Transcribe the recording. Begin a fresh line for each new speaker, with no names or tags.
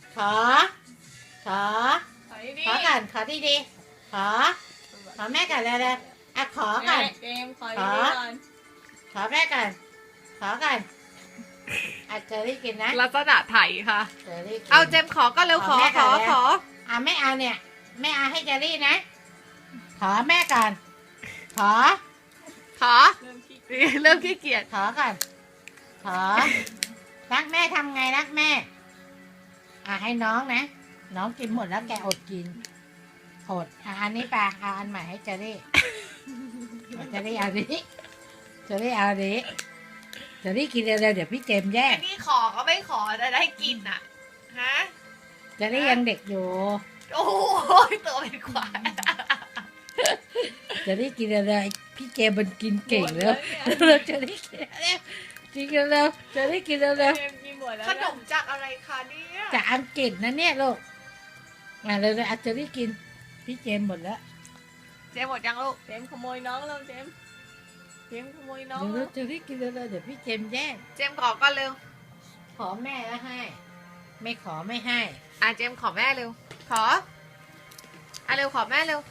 ขอ ขอ
ขอดี
ขอก่อนขอดีๆขอแม่ก่อนเร็วๆอ่ะขอก่อน
เจมขอดีๆก่อน
ขอแม่ก่อนขอก่อนอ่ะเจอรี่กินนะ
ลักษณะไถค่ะ
เจอรี่กิน
เอาเจมขอก็เร็วขอ
แม่
ข
ก่
อน
เลย
ขอ
อ่ะไม่เอาเนี่ยแม่เอาให้เจอรี่นะขอแม่ก่อนขอ
ขอ
เริ่มขี้
เริ่มขี้เกียจ
ขอก่อนขอรักแม่ทำไงรักแม่อ่ะให้น้องนะน้องกินหมดแล้วแกอดกินอดอ่ะอันนี้ไปเอาอันใหม่ให้เจอรี่เจอรี่เอาดิเจอรี่เอาดิเจอรี่กินเร็วๆเดี๋ยวพี่เจมส์แย่ง
ไอ้นี่ขอก็ไม่ขอจะได้กินอ่ะฮะ
เจอรี่ยังเด็กอยู่
โอ้ยตัวเป็นควาย
เจอรี่กินเร็วๆพี่เจมส์มันกินเก่งแล้วเราเจอรี่กินเร็วกินเร็วเจอรี่กินเร็ว
เจมกินหมดแล้ว
ขนมจากอะไรคะเนี่ย
จากอังกฤษนะเนี่ยลูกมาเร็วๆอาเจอรี่กินพี่เจมส์หมดแล้ว
เจมหมดยังลูก
เจมขโมยน้องเราเจมขโมยน้อง
เร็วๆเจอรี่กินเร็วๆเดี๋ยวพี่เจมส์แย่ง
เจมขอก็เร็ว
ขอแม่แล้วให้ ไม่ขอไม่ให้
อ่ะเจมขอแม่เร็ว ขออ่ะเร็วขอแม่เร็ว